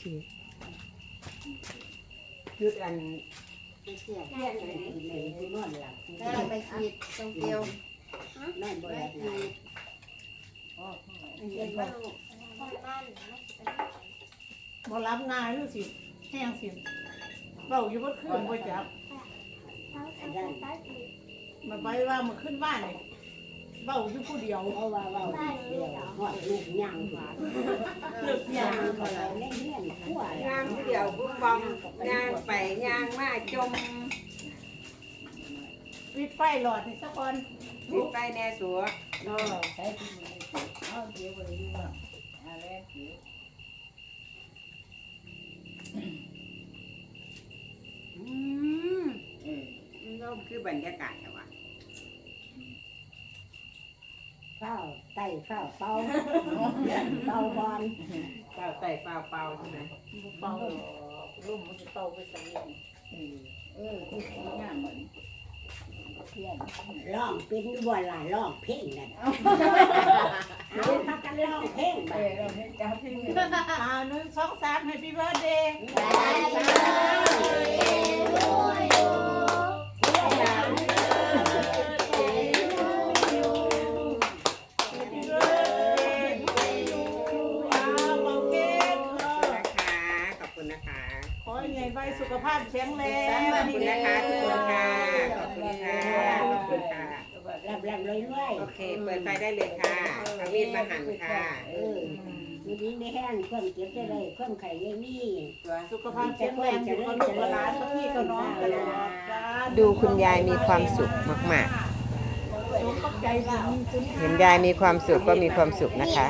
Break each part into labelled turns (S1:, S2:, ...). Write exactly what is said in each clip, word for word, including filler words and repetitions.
S1: ฉีด
S2: จุดอันเสียเสียเลยเลยที่นอนหลับได้ไปฉีดตรงเดียวนั่นบ่ได้ฉีดอ๋อฉีดว่าลูกบ่รับงานหรือสิแห้งสิเบาอยู่บ่ขึ้นบ่จับมาไปว่ามันขึ้นบ้านนี่เบาอยู่ผู้เดียวเอาว่าเบาเดียวหอดลูกย่างหวานลูกย่างอะไรเล่นเล่นขั้วย่างผู้เดียวบุ้มบอมย่างไปย่างมาจมปิดไฟหลอดนี่สักคนปิดไฟแน่สัวเนาะใช้ที่มือเอาเดี๋ยวไปดูว่าอะไรเดี๋ยวอืมเออเราคือบรรยากาศแต่ว่าข้าวไต่ข้าวเป่าเป่าบอลข้าวไต่เป่าเป่าใช่ไหมเป่าลุ่มมันจะเป่าไปใส่เออเออคือง่ายเหมือนร้องเป็นบ่หลายร้องเพลงนั่นเอาพักกันร้องเพลงไปร้องเพลงจ้าเพลงอ่าหนึ่งสองสามให้พี่เบิร์ดเดย์สุขภาพแข็งแรงขอบคุณนะคะทุกคนค่ะขอบคุณค่ะขอบคุณค่ะรับรับเลยด้วยโอเคเปิดไฟได้เลยค่ะเอามีดมาหั่นค่ะเออมีดิ้งได้แห้งเครื่องเก็บได้เลยเครื่องไข่ยังมีสุขภาพแข็งแรงอยู่กับลูกกับหลานกับพี่กับน้องตลอด
S1: ดูคุณยายมีความสุขมากๆเห็นยายมีความสุขก็มีความสุขนะคะ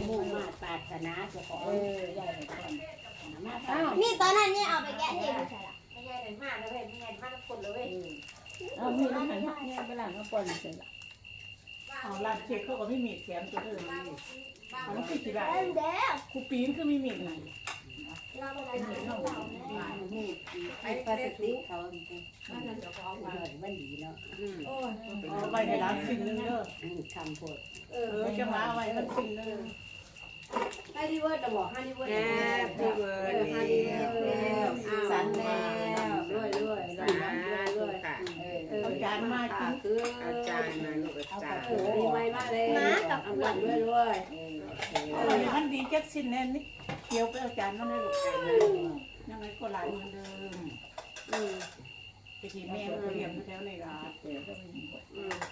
S3: นี่ตอนนั้นเนี่ยเอาไปแกะเทปใช่หรอ
S2: ไม่ใช่เป็นมากแล้วเว้ยไม่ใช่มากคนเลย
S4: เอามีน้ำมันเนี่ยไปหลังก็ปนเสร็จละ
S2: เอาลาดเช็คเขาก็ไม่มีแถมตัวอื่นนี่เอาไม่คิดกี่บาท
S3: เด้อ
S2: ครูปีนคือไม่มีไหน
S3: เราเป็นเหมือนเราเนี่ย
S2: ไอ้ปลาสติกเขามันนั่นจะฟ้องมามันดีเนาะโอ้ยเอาไว้ในร้านสิ่งนึงเด้อทำโพดเออจะมาไว้มันสิ่งนึงให้ดีเวิร์ดจะบอกให้ดีเวิร์ดแฮปปี้เวิร์ดให้ดีเวิร์ดสันแล้วด้วยด้วยด้วยด้วยค่ะเอาจานมากินคือเอาจานมาลูกเอาจานดีไหมมาเลยมากับอันด้วยด้วยเออมันดีจักสิ้นแน่นี่เคี้ยวไปเอาจานมาเลยลูกยังไงก็หลายเหมือนเดิมอืมไปกินแม่ก็เรียมแถวในร้านเดี๋ยวก็มีอืม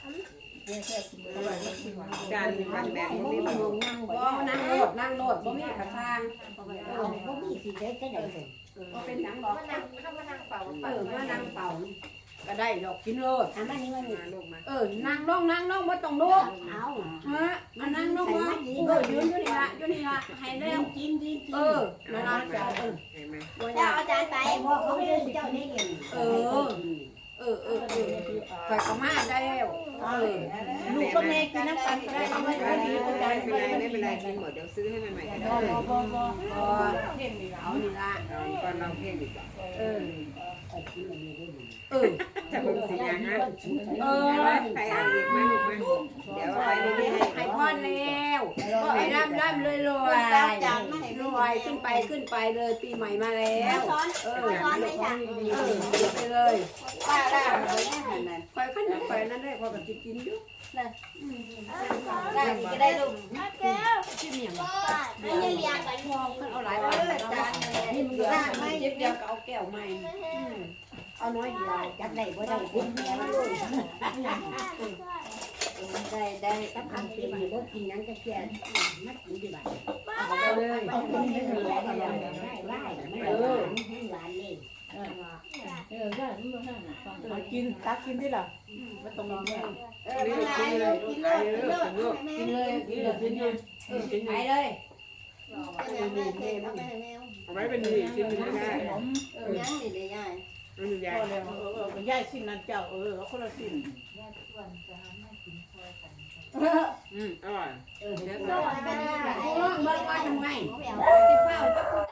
S2: จานมีมันแบบนี้มันนั่งบ่นั่งโลดนั่งโลดบ่มีกระซังบ่มีสิได้ก็ได้บ่เป็นหยังหรอกมานั่งถ้ามานั่งเป่าเออมานั่งเป่าก็ได้ดอกกินโลดอันนี้มันลูกมาเออนั่งลงนั่งลงบ่ต้องลุกเอาฮะมานั่งลงว่าเออยืนอยู่นี่ล่ะอยู่นี่ล่ะให้แล้วกินกินเออนั่นล่ะจ้ะเออเห็นมั้ย
S3: เจ้าอาจารย์ไป
S2: บ่เขาไม่ได้เจ้าได้เงินเออเออเออเออไปก็มาได้แล้วเออลูกก็แม่กินน้ำตาลได้เอาไว้ดีก็ได้ไม่เป็นไรไม่เป็นไรกินหมดเดี๋ยวซื้อให้มันใหม่ก็ได้บ่บ่บ่บ่เพ่งนี่เอานี่ละก่อนเราเพ่งดีกว่าเออเออจะเป็นสีอย่างนั้นเออใครเอาอีกมาลูกมาเดี๋ยวไปเรื่อยๆให้พรแล้วก็ให้ร่ำร่ำรวยรวยรวยขึ้นไปขึ้นไปเลยปีใหม่มาแล้วเออซ้อนไม่สั่งเออไปเลยป้าได้คอยขั้นคอยนั่นได้คอยแบบกินอยู่ได้ก็ได้ลูก
S3: แก้วชิมอย่างไม่ได้เรียนกันมอง
S2: เอาหลายวันจานนี่มันเหลือไม่เย็บเดียวก็เอาแก้วใหม่เอาน้อยเดียวจับได้บ่ได้กินแล้วได้ได้ตั้งอันเป็นอยู่บ่กินยังก็แค่นักกินดีบ่เอาเลยเอากินให้เหลือได้ได้ได้ไม่เออหวานนี่
S4: เออได้ไม่ต้องห้ามฟัง
S2: กินตักกินได้หรอไม่ต้องรอแม่เออกินเลยกินเลยกินเลยกินเลยกินเลยกินเลยกินเลยเอาไว้เป็นดีกินไม่ได้เออยังดีเลยยายอืมยายเออเออยายสิ้นนั่นเจ้าเออเขาคนละสิ้นอืมอร่อยเออเดี๋ยวเราไปดูเมื่อวานทำไงที่เฝ้า